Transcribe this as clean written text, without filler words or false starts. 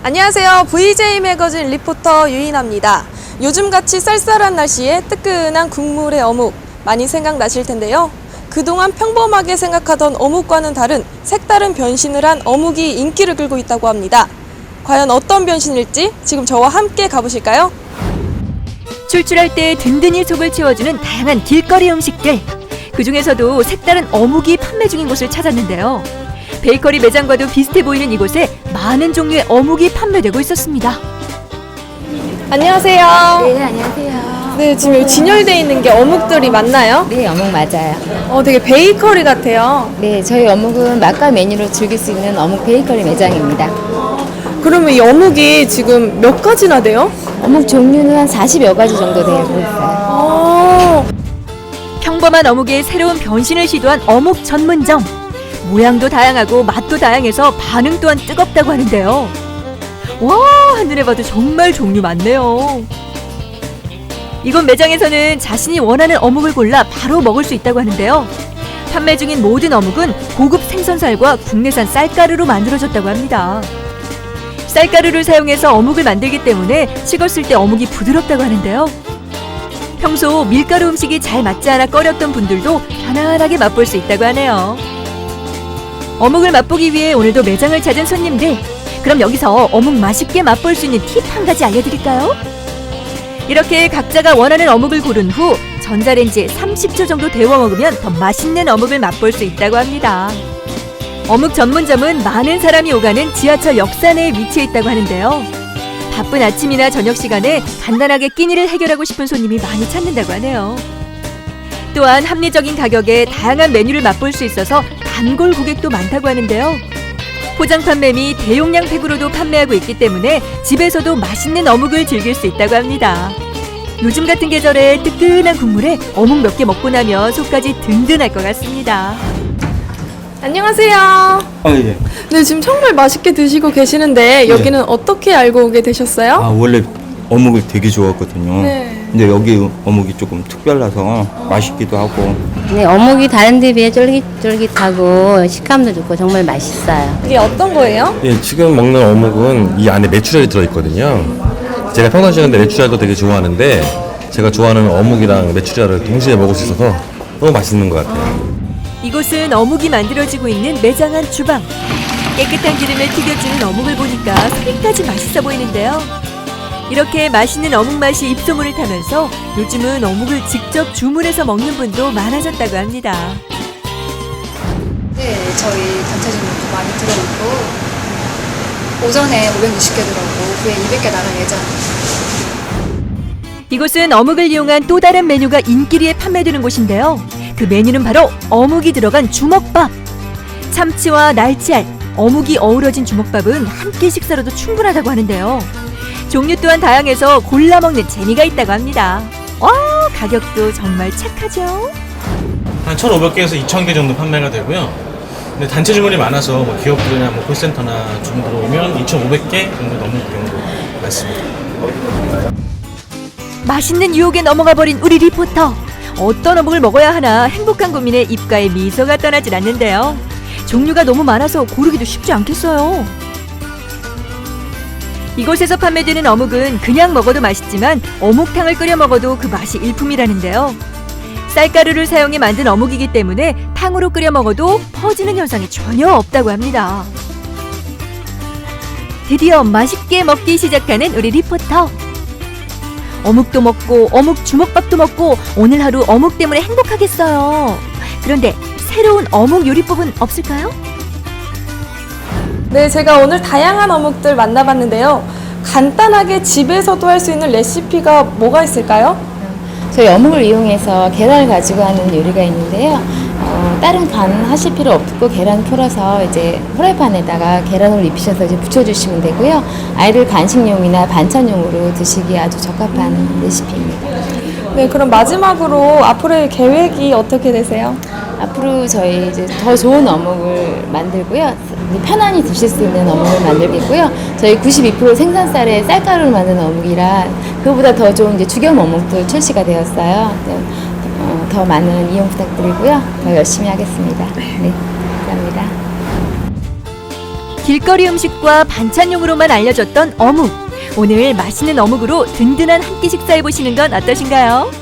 안녕하세요. VJ 매거진 리포터 유인아입니다. 요즘같이 쌀쌀한 날씨에 뜨끈한 국물의 어묵 많이 생각나실 텐데요. 그동안 평범하게 생각하던 어묵과는 다른 색다른 변신을 한 어묵이 인기를 끌고 있다고 합니다. 과연 어떤 변신일지 지금 저와 함께 가보실까요? 출출할 때 든든히 속을 채워주는 다양한 길거리 음식들. 그중에서도 색다른 어묵이 판매 중인 곳을 찾았는데요. 베이커리 매장과도 비슷해 보이는 이곳에 많은 종류의 어묵이 판매되고 있었습니다. 안녕하세요. 네, 안녕하세요. 네, 지금 여기 진열되어 있는 게 어묵들이 맞나요? 네, 어묵 맞아요. 되게 베이커리 같아요. 네, 저희 어묵은 맛과 메뉴로 즐길 수 있는 어묵 베이커리 매장입니다. 그러면 이 어묵이 지금 몇 가지나 돼요? 어묵 종류는 한 40여 가지 정도 되고 있어요. 평범한 어묵에 새로운 변신을 시도한 어묵 전문점. 모양도 다양하고 맛도 다양해서 반응 또한 뜨겁다고 하는데요. 와, 한눈에 봐도 정말 종류 많네요. 이곳 매장에서는 자신이 원하는 어묵을 골라 바로 먹을 수 있다고 하는데요. 판매 중인 모든 어묵은 고급 생선살과 국내산 쌀가루로 만들어졌다고 합니다. 쌀가루를 사용해서 어묵을 만들기 때문에 식었을 때 어묵이 부드럽다고 하는데요. 평소 밀가루 음식이 잘 맞지 않아 꺼렸던 분들도 편안하게 맛볼 수 있다고 하네요. 어묵을 맛보기 위해 오늘도 매장을 찾은 손님들. 그럼 여기서 어묵 맛있게 맛볼 수 있는 팁 한 가지 알려드릴까요? 이렇게 각자가 원하는 어묵을 고른 후 전자레인지에 30초 정도 데워 먹으면 더 맛있는 어묵을 맛볼 수 있다고 합니다. 어묵 전문점은 많은 사람이 오가는 지하철 역사내에 위치해 있다고 하는데요. 바쁜 아침이나 저녁 시간에 간단하게 끼니를 해결하고 싶은 손님이 많이 찾는다고 하네요. 또한 합리적인 가격에 다양한 메뉴를 맛볼 수 있어서 단골 고객도 많다고 하는데요. 포장 판매 및 대용량 팩으로도 판매하고 있기 때문에 집에서도 맛있는 어묵을 즐길 수 있다고 합니다. 요즘 같은 계절에 뜨끈한 국물에 어묵 몇 개 먹고 나면 속까지 든든할 것 같습니다. 안녕하세요. 예. 네, 지금 정말 맛있게 드시고 계시는데 여기는 어떻게 알고 오게 되셨어요? 원래 어묵을 되게 좋아했거든요. 네. 근데 여기 어묵이 조금 특별해서 맛있기도 하고. 네, 어묵이 다른 데 비해 쫄깃쫄깃하고 식감도 좋고 정말 맛있어요. 이게 어떤 거예요? 예, 지금 먹는 어묵은 이 안에 메추리알이 들어있거든요. 제가 평상시에 메추리알도 되게 좋아하는데 제가 좋아하는 어묵이랑 메추리알을 동시에 먹을 수 있어서 너무 맛있는 것 같아요. 이곳은 어묵이 만들어지고 있는 매장 안 주방. 깨끗한 기름에 튀겨주는 어묵을 보니까 소리까지 맛있어 보이는데요. 이렇게 맛있는 어묵 맛이 입소문을 타면서 요즘은 어묵을 직접 주문해서 먹는 분도 많아졌다고 합니다. 네, 저희 단체 주문도 많이 들어오고 오전에 560개 들어오고 후에 200개 나갈 예정입니다. 이곳은 어묵을 이용한 또 다른 메뉴가 인기리에 판매되는 곳인데요. 그 메뉴는 바로 어묵이 들어간 주먹밥. 참치와 날치알, 어묵이 어우러진 주먹밥은 한 끼 식사로도 충분하다고 하는데요. 종류 또한 다양해서 골라 먹는 재미가 있다고 합니다. 와, 가격도 정말 착하죠? 한 1,500개에서 2,000개 정도 판매가 되고요. 근데 단체 주문이 많아서 뭐 기업들이나 뭐 콜센터나 주문 들어오면 2,500개 정도 넘는 경우도 많습니다. 맛있는 유혹에 넘어가 버린 우리 리포터. 어떤 어묵을 먹어야 하나 행복한 고민에 입가에 미소가 떠나질 않는데요. 종류가 너무 많아서 고르기도 쉽지 않겠어요. 이곳에서 판매되는 어묵은 그냥 먹어도 맛있지만 어묵탕을 끓여 먹어도 그 맛이 일품이라는데요. 쌀가루를 사용해 만든 어묵이기 때문에 탕으로 끓여 먹어도 퍼지는 현상이 전혀 없다고 합니다. 드디어 맛있게 먹기 시작하는 우리 리포터. 어묵도 먹고 어묵 주먹밥도 먹고 오늘 하루 어묵 때문에 행복하겠어요. 그런데 새로운 어묵 요리법은 없을까요? 네, 제가 오늘 다양한 어묵들 만나봤는데요. 간단하게 집에서도 할 수 있는 레시피가 뭐가 있을까요? 저희 어묵을 이용해서 계란을 가지고 하는 요리가 있는데요. 다른 간 하실 필요 없고 계란 풀어서 이제 프라이팬에다가 계란을 입히셔서 이제 부쳐주시면 되고요. 아이들 간식용이나 반찬용으로 드시기에 아주 적합한 레시피입니다. 네, 그럼 마지막으로 앞으로의 계획이 어떻게 되세요? 앞으로 저희 이제 더 좋은 어묵을 만들고요. 편안히 드실 수 있는 어묵을 만들겠고요. 저희 92% 생산쌀에 쌀가루를 만든 어묵이라 그보다 더 좋은 이제 죽염 어묵도 출시가 되었어요. 더 많은 이용 부탁드리고요. 더 열심히 하겠습니다. 네, 감사합니다. 길거리 음식과 반찬용으로만 알려졌던 어묵. 오늘 맛있는 어묵으로 든든한 한 끼 식사해 보시는 건 어떠신가요?